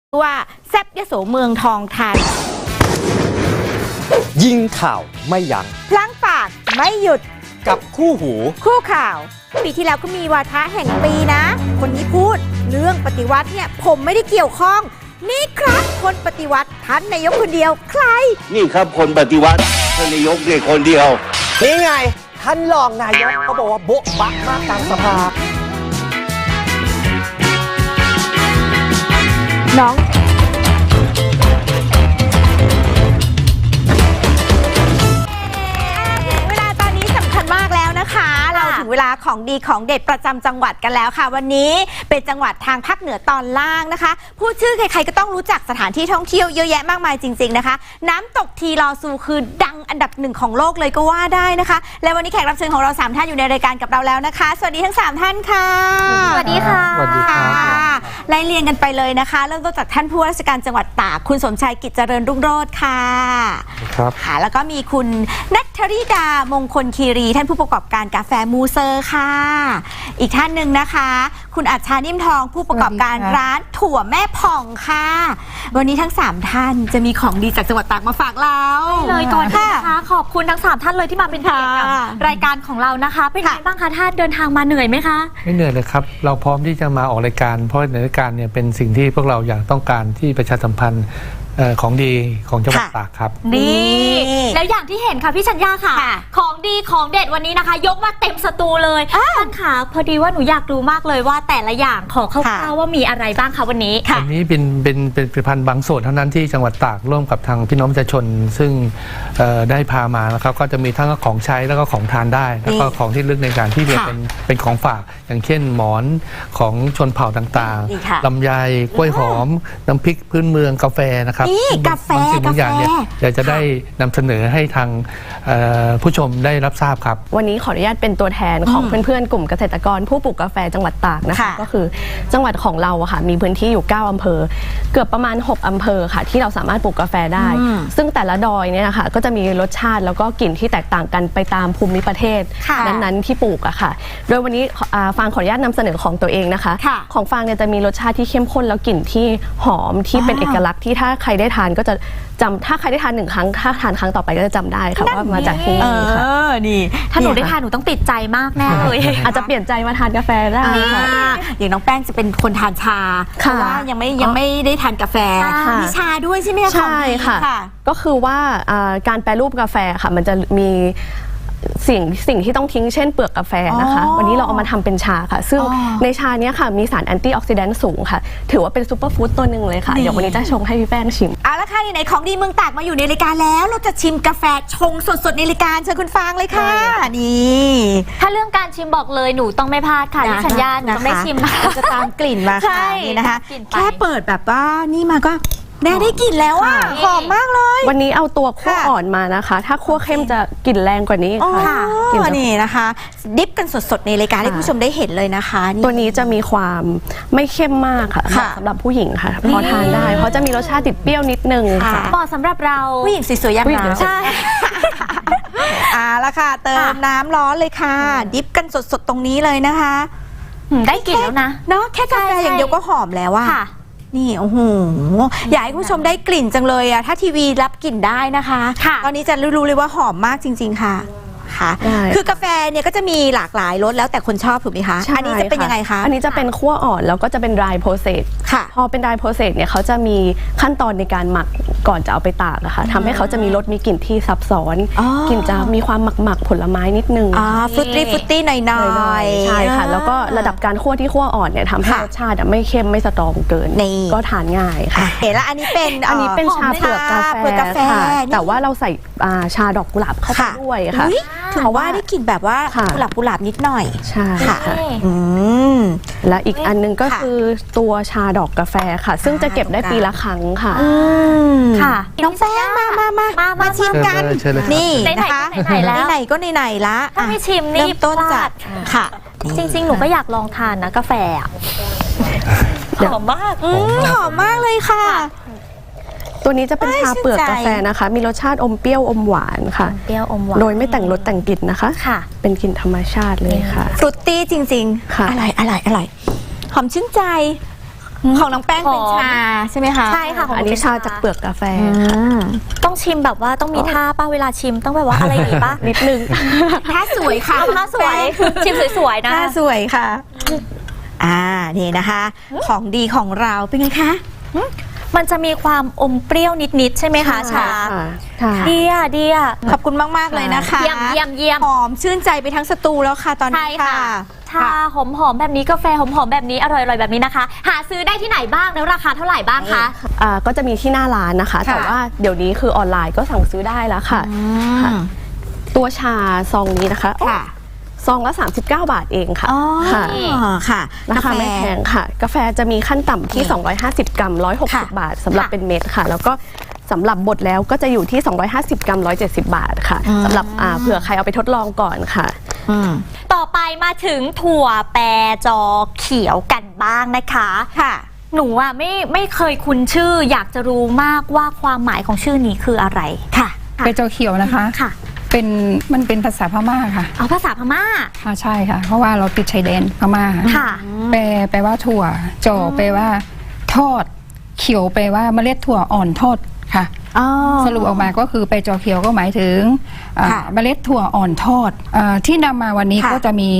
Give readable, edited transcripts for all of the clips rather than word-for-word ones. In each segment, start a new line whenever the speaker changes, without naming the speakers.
ว่าแซบยโสเมืองทองธานี
ยิงข่าวไม่ยั้ง
พลั้งปากไม่หยุด
กับคู่หู
คู่ข่าวปีที่แล้วก็มีวาทะแห่งปีนะ คนนี้พูดเรื่องปฏิวัติเนี่ยผมไม่ได้เกี่ยวข้องนี่ครับคนปฏิวัติท่านนายกคนเดียวใคร
นี่ครับคนปฏิวัติท่านนายกเนี่ยคนเดียว
นี่ไงท่านรองนายกก็บอกว่าโบ๊ะบักมากกลางสภา
น้องเวลาตอนนี้สำคัญมากแล้วนะคะเราถึงเวลาของดีของเด็ดประจำจังหวัดกันแล้วค่ะวันนี้เป็นจังหวัดทางภาคเหนือตอนล่างนะคะพูดชื่อใครๆก็ต้องรู้จักสถานที่ท่องเที่ยวเยอะแยะมากมายจริงๆนะคะน้ำตกทีลอซูคือดังอันดับหนึ่งของโลกเลยก็ว่าได้นะคะและวันนี้แขกรับเชิญของเรา3ท่านอยู่ในรายการกับเราแล้วนะคะสวัสดีทั้ง3ท่านค่ะ
สวัสดีค่ะ
สวัสดีค่ะ
ไล่เรียงกันไปเลยนะคะเริ่มต้นจากท่านผู้ว่าราชการจังหวัดตากคุณสมชายกิจเจริญรุ่งโรจน์ค่ะ
ครับ
ค่ะแล้วก็มีคุณณัฐริดามงคลคีรีท่านผู้ประกอบการกาแฟมูเซอร์ค่ะอีกท่านหนึ่งนะคะคุณอัชชานิ่มทองผู้ประกอบการร้านถั่วแม่ผ่องค่ะวันนี้ทั้ง3ท่านจะมีของดีจากจังหวัดตากมาฝากเรา
เลยก่อนนะคะขอบคุณทั้ง3ท่านเลยที่มาเป็นเกียรติกับรายการของเรานะคะเป็นไงบ้างคะท่านเดินทางมาเหนื่อยไหมคะ
ไม่เหนื่อยเลยครับเราพร้อมที่จะมาออกรายการเพราะในรายการเนี่ยเป็นสิ่งที่พวกเราอยากต้องการที่ประชาสัมพันธ์ของดีของจังหวัดตากครับ
นี่แล้วอย่างที่เห็นค่ะพี่ชัญญาค่ะของดีของเด็ดวันนี้นะคะยกมาเต็มสตูเลยท่านค่ะพอดีว่าหนูอยากรู้มากเลยว่าแต่ละอย่างขอคร่าวๆว่ามีอะไรบ้างคะวันนี้
วันนี้เป็นผลิตภัณฑ์บางส่วนเท่านั้นที่จังหวัดตากร่วมกับทางพี่น้องประชาชนซึ่งได้พามานะครับก็จะมีทั้งของใช้แล้วก็ของทานได้แล้วก็ของที่ลึกในการที่เป็นของฝากอย่างเช่นหมอนของชนเผ่าต่างๆลำไยกล้วยหอมน้ำพริกพื้นเมืองกาแฟนะครับ
กาแฟ
บางอย่างเนี่ยอยากจะได้นำเสนอให้ทางผู้ชมได้รับทราบครับ
วันนี้ขออนุญาตเป็นตัวแทนของเพื่อนๆกลุ่มเกษตรกรผู้ปลูกกาแฟจังหวัดตากนะคะก็คือจังหวัดของเราค่ะมีพื้นที่อยู่9อำเภอเกือบประมาณ6อำเภอค่ะที่เราสามารถปลูกกาแฟได้ซึ่งแต่ละดอยเนี่ยนะคะก็จะมีรสชาติแล้วก็กลิ่นที่แตกต่างกันไปตามภูมิประเทศนั้นๆที่ปลูกอะค่ะโดยวันนี้ฟางขออนุญาตนำเสนอของตัวเองนะคะของฟางเนี่ยจะมีรสชาติที่เข้มข้นแล้วกลิ่นที่หอมที่เป็นเอกลักษณ์ที่ถ้าใครได้ทานก็จะจำถ้าใครได้ทาน1 ครั้งถ้าทานครั้งต่อไปก็จะจำได้ค่ะว่ามาจากที่นี่ค่ะ
นี่
ถ้าหนูได้ทานหนูต้องติดใจมากแน่เลย
อาจจะเปลี่ยนใจมาทานกาแฟได้ค่ะ
อย่างน้องแป้งจะเป็นคนทานชาเพราะว่ายังไม่ได้ทานกาแฟมีชาด้วยใช่ไหมคะ
ใช่ค่ะก็คือว่าการแปรรูปกาแฟค่ะมันจะมีสิ่งที่ต้องทิ้งเช่นเปลือกกาแฟนะคะวันนี้เราเอามาทำเป็นชาค่ะซึ่งในชาเนี้ยค่ะมีสารแอนตี้ออกซิแดนต์สูงค่ะถือว่าเป็นซูเปอร์ฟู้ดตัวหนึ่งเลยค่ะเดี๋ยววันนี้จะชงให้พี่แป้งชิม
เอาละค่ะไหนของดีเมืองตากมาอยู่ในรายการแล้วเราจะชิมกาแฟชงสดๆในรายการเชิญคุณฟางเลยค่ะนี่
ถ้าเรื่องการชิมบอกเลยหนูต้องไม่พลาดค่ะพี่ชัญญาหนูต้องได้ชิม
จะตามกลิ่นมาค่ะนี่นะคะแค่เปิดแบบว่านี่มาก็แน่ได้กลิ่นแล้วอ่ะหอมมากเลย
วันนี้เอาตัวคั่วอ่อนมานะคะถ้าคั่วเข้มจะกลิ่นแรงกว่านี้ค่ะ
นี่นะคะดิฟกันสดๆในรายการให้ผู้ชมได้เห็นเลยนะคะ
ตัวนี้จะมีความไม่เข้มมากค่ะสำหรับผู้หญิงค่ะพอทานได้เพราะจะมีรสชาติติดเปรี้ยวนิดนึงค่ะ
เหมาะสำหรับเรา
ผู้หญิงสวยๆอย่างเราใช่ละค่ะเติมน้ำร้อนเลยค่ะดิฟกันสดๆตรงนี้เลยนะคะ
ได้กลิ่นแล้วนะ
เนาะแค่กาแฟอย่างเดียวก็หอมแล้วอะนี่โอ้โหอยากให้ผู้ชมได้กลิ่นจังเลยอะถ้าทีวีรับกลิ่นได้นะคะตอนนี้จะรู้เลยว่าหอมมากจริงๆค่ะคือกาแฟเนี่ยก็จะมีหลากหลายรสแล้วแต่คนชอบถูกไหมคะอันนี้จะเป็นยังไงคะ
อันนี้จะเป็นคั่วอ่อนแล้วก็จะเป็น dry process พอเป็น dry process เนี่ยเขาจะมีขั้นตอนในการหมักก่อนจะเอาไปตากนะคะทำให้เขาจะมีรสมีกลิ่นที่ซับซ้อนกลิ่นจะมีความหมักผลไม้นิดนึง
ฟรุตตี้หน่อย
ๆใช่ค่ะแล้วก็ระดับการคั่วที่คั่วอ่อนเนี่ยทำให้รสชาติไม่เข้มไม่สตรองเกินก็ทานง่ายค่ะ
แล้วอันนี้เป็น
ชาเปลือกกาแฟแต่ว่าเราใส่ชาดอกกุหลาบเข้าไปด้วยค่ะ
ถือว่าได้กลิ่นแบบว่ากุหลาบนิดหน่อย
ใช่ค่ะและอีกอันนึงก็คือตัวชาดอกกาแฟค่ะซึ่งจะเก็บได้ปีละครั้งค่ะ
ค่ะน้องแป้งมาชิมกันนี่นะคะไหนก็ไหนละ
ถ้าไม่ชิมนี่
ต้นจัดค่ะ
จริงๆหนูก็อยากลองทานนะกาแฟหอมมาก
หอมมากเลยค่ะ
ตัวนี้จะเป็นชาเปลือกกาแฟนะคะมีรสชาติอมเปรี้ยวอมหวานค่ะ
เปรี้ยวอมหวาน
โดยไม่แต่งรสแต่งกลิ่นนะคะเป็นกลิ่นธรรมชาติเลยค่ะ
ฟรุตตี้จริงๆอร่อยหอมชื่นใจของน้องแป้งเป็นชาใช่ไหมคะ
ใช่ค่ะของ
อัน
หนู
นี้
เป็น
ชาจากเปลือกกาแฟ
อื
ค่ะ
ม
ต้องชิมแบบว่าต้องมีท่าป้าเวลาชิมต้องแบบว่าอะไรดีป่ะ
นิดนึง
ท่าสวยค่ะ
ท่าสวยชิมสวยๆนะ
ท่าสวยค่ะ นี่นะคะ ของดีของเราเป็นไงคะ
มันจะมีความอมเปรี้ยวนิดๆใช่ไหมคะชา
ค่ะ
ดีอ่ะ
ขอบคุณมาก ๆ เลยนะคะ
เยี่ยม
หอมชื่นใจไปทั้งสตูแล้วค่ะตอน
ใช่
นี้
ค่ะ
ค่ะ
ชาหอมๆแบบนี้กาแฟหอมๆแบบนี้อร่อยๆแบบนี้นะคะ หาซื้อได้ที่ไหนบ้างแล้วราคาเท่าไหร่บ้างคะ
ก็จะมีที่หน้าร้านนะคะ
ค่ะ
แต่ว่าเดี๋ยวนี้คือออนไลน์ก็สั่งซื้อได้แล้วค่ะ ค่ะ ตัวชาซองนี้นะคะ
ค่ะ
ซองละ39 บาทเองค่ะ
อ๋อ
ค่ะ
ค่ะ
ราคาไม่แพงค่ะ กาแฟจะมีขั้นต่ำที่ 250 กรัม
ค่ะ
160 บาทสำหรับเป็นเม็ดค่ะ แล้วก็สำหรับบดแล้วก็จะอยู่ที่ 250 กรัม 170 บาทค่ะสำหรับเผื่อใครเอาไปทดลองก่อนค่ะ
ต่อไปมาถึงถั่วแปรจอเขียวกันบ้างนะคะ
ค่ะ
หนูอ่ะไม่เคยคุ้นชื่อ อยากจะรู้มากว่าความหมายของชื่อนี้คืออะไรค่ะ
เปโจเขียวนะคะ
ค่ะ
มันเป็นภาษาพม่าค่ะ
เอาภาษาพม่า
ค่ะใช่ค่ะ เพราะว่าเราติดชายแดนพม่า
ค่ะ
แปลว่าถั่วจอแปลว่าทอด เขียวแปลว่าเมล็ดถั่วอ่อนทอดค่ะ สรุปออกมาก็คือเปโจเขียวก็หมายถึง
ค่ะ
เมล็ดถั่วอ่อนทอดที่นำมาวันนี้
ค่ะ
ก็จะมี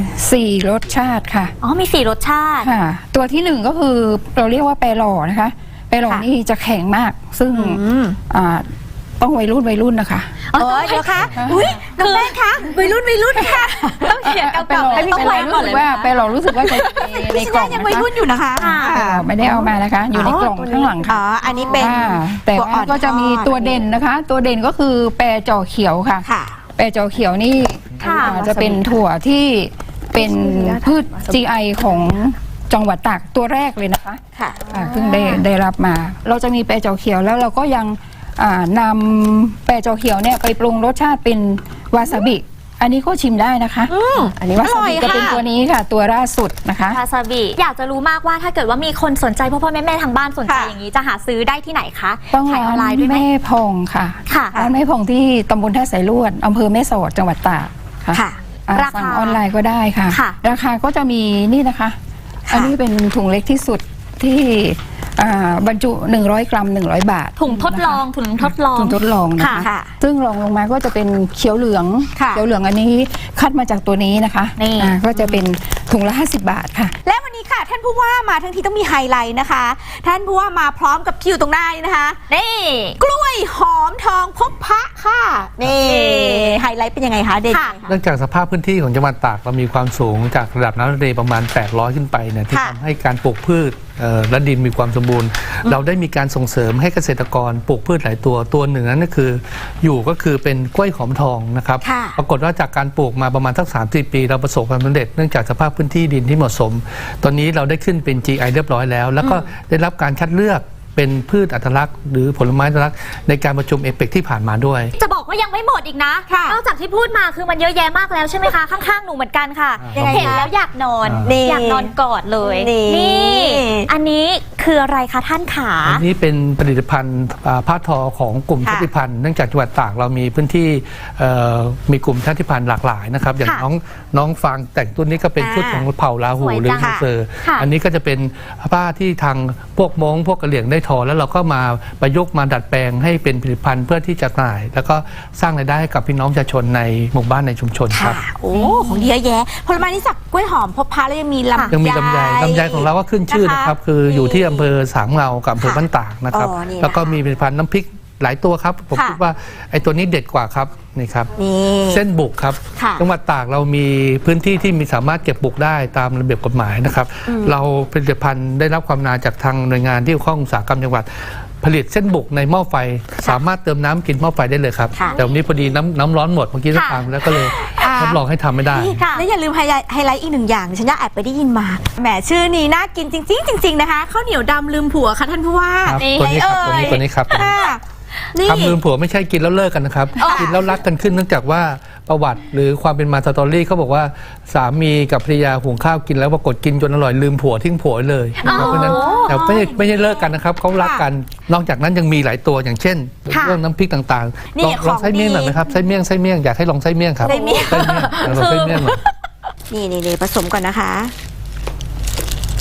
4รสชาติค่ะ
อ๋อมี4รสชาติ
ค่ะ ตัวที่1ก็คือเราเรียกว่าแปรหล่อนะคะแปรหล่อ
ค่ะ
นี่จะแข็งมาก ซึ่งต้องวัยรุ่นนะคะ
เดี๋ยวคะอุ้ยน้องแป้งคะวัยรุ่นค่ะต้องเขียนเก่าๆให้พี่
ไป
ชาย
รู้สึกว่าไปเรารู้สึกว่าจะใน
พี่
กล่
ชา
อง
ยยัง
นะ
วัย
คะ
รุ่นอยู่นะคะ
ไม่ได้เอามานะคะ อยู่ในกล่องข้างหลัง
อ๋
ค่ะ
ออันนี้เป็น
แต่
ถั่วอ่
ว่า
อน
ก็จะมี
ทอด
ตัวเด่นนะคะ ตัวเด่นก็คือแปรจอเขียวค่ะ
ค่ะ
แปรจอเขียวนี่
ค่ะ
จะเป็นถั่วที่เป็นพืช GI ของจังหวัดตากตัวแรกเลยนะคะ
ค่ะ
เพิ่งได้รับมา เราจะมีแปรจอเขียวแล้วเราก็ยังนำแปรจอเขียวเนี่ยไปปรุงรสชาติเป็นวาซาบิ อันนี้ก็ชิมได้นะคะ อันนี้วาซาบิ
อร่อย
จะเป็น
ค่ะ
ตัวนี้ค่ะ ตัวล่าสุดนะคะ
วาซาบิอยากจะรู้มากว่าถ้าเกิดว่ามีคนสนใจพ่อแม่ทางบ้านสนใจ
ค่ะ
อย่างนี้จะหาซื้อได้ที่ไหนคะ
ต้อง
ขายออนไล
ร้าน
น์ด้วยไหม
แม่พองค่ะ
ค่ะ
ร้านแม่พองที่ตำบลท่าสายลวดอำเภอแม่สอดจังหวัดตากค่ะ
ค่ะ
ราคา
สั่งออนไลน์ก็ได้ค่ะ
ค่ะ
ราคาก็จะมีนี่นะคะ
ค่ะ
อันนี้เป็นถุงเล็กที่สุดที่บรรจุ 100 กรัม 100 บาท
ถุงทดลองถุงทดลอง
ถุงทดลองนะคะ
ค่ะ
ซึ่งรองลงมาก็จะเป็นเขียวเหลือง
ค่ะ
เขียวเหลืองอันนี้คัดมาจากตัวนี้นะคะ
นี่
ก็จะเป็นถุงละ 50 บาทค่ะ
และวันนี้ค่ะท่านผู้ว่ามาทั้งทีต้องมีไฮไลท์นะคะ ท่านผู้ว่ามาพร้อมกับคิวตรงหน้านี้นะคะ
นี่
กล้วยหอมทองพบพระค่ะนี่ไฮไลท์เป็นยังไงคะเด่น
ค่ะ
ยังไงคะ
เนื่องจากสภาพพื้นที่ของจังหวัดตากเรามีความสูงจากระดับน้ำทะเลประมาณ 800 ขึ้นไปเนี่ยที่
ค่ะ
ทำให้การปลูกพืชและดินมีความสมบูรณ์ เราได้มีการส่งเสริมให้เกษตรกรปลูกพืชหลายตัวหนึ่งนั้นก็คือก็คือเป็นกล้วยหอมทองนะครับ
ค่ะ
ปรากฏว่าจากการปลูกมาประมาณสัก 3-4 ปี เราประสบความสำเร็จเนื่องจากสภาพพื้นที่ดินที่เหมาะสม ตอนนี้เราได้ขึ้นเป็น GI เรียบร้อยแล้ว แล้วก็ได้รับการคัดเลือกเป็นพืชอัตลักษณ์หรือผลไม้อัตลักษณ์ในการประชุมเอเปกที่ผ่านมาด้วย
จะบอกว่ายังไม่หมดอีกนะ
ค่ะ
นอกจากที่พูดมาคือมันเยอะแยะมากแล้วใช่ไหมคะ ข้างๆหนูเหมือนกันค่ะ
ยังไงคะ
เห็นแล้วอยากนอน
นี่
อยากนอนกอดเลย
นี่
อันนี้คืออะไรคะท่านขา
อันนี้เป็นผลิตภัณฑ์ผ้าทอของกลุ่ม
ค่ะ
ชาติพันธุ์เนื่องจากจังหวัดตากเรามีพื้นที่มีกลุ่มชาติพันธุ์หลากหลายนะครับอย่าง
ค่ะ
น้องฟางแต่งตัวนี้ก็เป็นชุดของเผ่าลาหู
สวย
หรือ
จัง
ฮันเซอร์
ค่ะ
อันนี้ก็จะเป็นผ้าที่ทางพวกม้งพวกกะเหรี่ยงได้ทอแล้วเราก็มาประยุกต์มาดัดแปลงให้เป็นผลิตภัณฑ์เพื่อที่จะจำหน่าย แล้วก็สร้างรายได้ให้กับพี่น้องประชาชนในหมู่บ้านในชุมชนค
ค่ะ
รับ
โอ้ของดีเยอะแยะผลไม้นี่จากกล้วยหอมพบพระแล้วยังมีลำไย
ยังมีลำไยของเราก็ขึ้นชื่อนะครับ คืออยู่ที่อำเภอสามเงากับอำเภอ
ค่ะ
บ้านตากนะครับ
อ๋อนี่นะคะ
แล้วก็มีผลิตภัณฑ์น้ำพริกหลายตัวครับ ผม
ค่ะ
คิดว่าไอ้ตัวนี้เด็ดกว่าครับนี่ครับ
นี่
เส้นบุกครับ
ค่ะ
จังหวัดตากเรามีพื้นที่ที่มีสามารถเก็บบุกได้ตามระเบียบกฎหมายนะครับ เราผลิตภัณฑ์ได้รับความนาจากทางหน่วยงานที่เกี่ยวข้องอุตสาหกรรมจังหวัด ผลิตเส้นบุกในหม้อไฟ สามารถเติมน้ำกินหม้อไฟได้เลยครับ
ค่ะ
แต่วันนี้พอดีน้ำร้อนหมดเมื่อกี้ทำแล้วก็เลยทดลองให้ทำไม่ได้
นี่แล้วอย่าลืมไฮไลท์อีกหนึ่งอย่างฉันอยากแอบไปได้ยินมาแหมชื่อนี้น่ากินจริงๆนะคะข้าวเหนียวดำลืมผัวค่ะท่านผู้ว่า
ครับตัวนี้ครับตัวนี้ครับ
ค่ะนี่
คำลืมผัวไม่ใช่กินแล้วเลิกกันนะครับ กินแล้วรักกันขึ้นเนื่องจากว่าประวัติหรือความเป็นมาสตอรี่เขาบอกว่าสามีกับภรรยาหุงข้าวกินแล้วปรากฏกินจนอร่อยลืมผัวทิ้งผัวเลยนะครับเพราะฉะนั้นแต่ไม่ใช่เลิกกันนะครับเขารักกันนอกจากนั้นยังมีหลายตัวอย่างเช่น
ค่ะ
เรื่องน้ำพริกต่าง
นี่
ๆลองไส้เมี่ยงหน่อยไหมครับไส้เมี่ยงอยากให้ลองไส้เมี่ยงครับ
ไส้เมี่ยง
ลองไส้เมี่ยงหน่อย
นี่ผสมก่อนนะคะ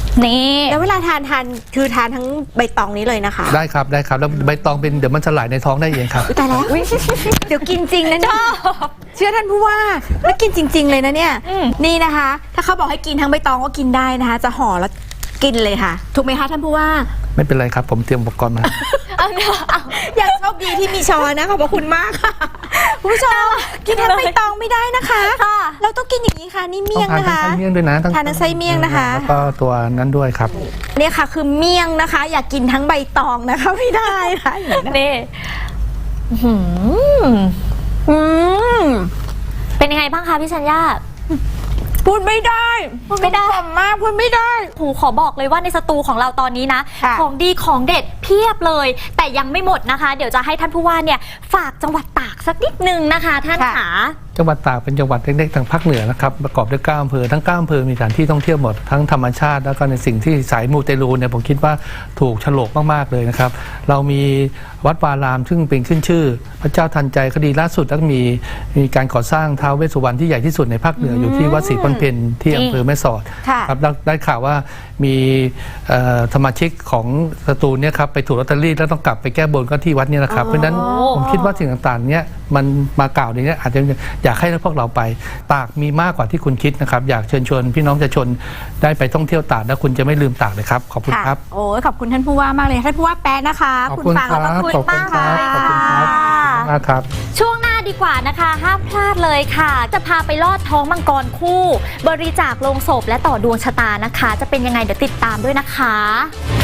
นี่
แล้วเวลาทานคือทานทั้งใบตองนี้เลยนะคะ
ได้ครับได้ครับแล้วใบตองเป็นเดี๋ยวมันสลายในท้องได้เองครับ
อุ๊ยตายแล้วเดี๋ยวกินจริงนะเนี่ยเชื่อท่านผู้ว่าแล้วกินจริง ๆ เลยนะเนี่ยนี่นะคะ ถ้าเขาบอกให้กินทั้งใบตองก็กินได้นะคะ จะห่อแล้วกินเลยค่ะ ถูกไหมคะท่านผู้ว่า
ไม่เป็นไรครับผมเตรียมอุปกรณ์มา
อยากโชคดีที่มีช้อนนะขอบพระคุณมากค่ะคุณผู้ชมกินทั้งใบตองไม่ได้นะคะ
ค่ะ
เราต้องกินอย่างนี้ค่ะนี่เมี่ยง
ต้องทาน
นะคะ
ทั้งไส้เมี่ยงด้วยนะ
ทานทั้งไส้เมี่ยงนะคะ
แล้วก็ตัวนั้นด้วยครับ
เนี่ยค่ะคือเมี่ยงนะคะ อยากกินทั้งใบตองนะคะไม่ได้ค่ะอย่างนี้นะ
นี่อื้อหือ
อืม
เป็นยังไงบ้างคะพี่ชัญญา
พูดไม่ได้
พูดไม่ได้
กลมมากพูดไม่ได้
ครูขอบอกเลยว่าในสตูของเราตอนนี้นะ
ค่ะ
ของดีของเด็ดเพียบเลย แต่ยังไม่หมดนะคะ เดี๋ยวจะให้ท่านผู้ว่าเนี่ยฝากจังหวัดตากสักนิดนึงนะคะ ท่านขา
จังหวัดตากเป็นจังหวัดเล็กๆทางภาคเหนือนะครับประกอบด้วย9อำเภอทั้ง9อำเภอมีสถานที่ท่องเที่ยวหมดทั้งธรรมชาติแล้วก็ในสิ่งที่สายมูเตลูเนี่ยผมคิดว่าถูกโฉลกมากๆเลยนะครับเรามีวัดวารามซึ่งเป็นขึ้นชื่อ พระเจ้าทันใจคดีล่าสุดแล้วก็มีการก่อสร้างท้าวเวสสุวรรณที่ใหญ่ที่สุดในภาคเหนืออยู่ที่วัดศรีพันเพนที่อำเภอแม่สอด
ค่ะ
ครับได้ข่าวว่ามีสมาชิกของสตูลเนี่ยครับไปถูกลอตเตอรี่แล้วต้องกลับไปแก้บนก็ที่วัดเนี่ยนะครับเพราะฉะนั้นผมคิดว่าสิ่งต่างๆเนี่ยมันมากล่าวในนี้อาจจะอยากให้พวกเราไปตากมีมากกว่าที่คุณคิดนะครับอยากเชิญชวนพี่น้องประชาชนได้ไปท่องเที่ยวตากแล้วคุณจะไม่ลืมตากเลยครับขอบคุณครับ
โอ้ยขอบคุณท่านผู้ว่ามากเลยท่านผู้ว่าแป๊ะนะคะ
ขอบคุณ
ฟัง
ครั
แล้ว
บ
ก็คุณ
ขอบคุณ
มาก
ค
เล
รับ
ย
ขอบคุณครับขอบคุณมากครับ
ช่วงหน้าดีกว่านะคะ ห้ามพลาดเลยค่ะ จะพาไปลอดท้องมังกรคู่ บริจาคโลงศพและต่อดวงชะตานะคะ จะเป็นยังไงเดี๋ยวติดตามด้วยนะคะ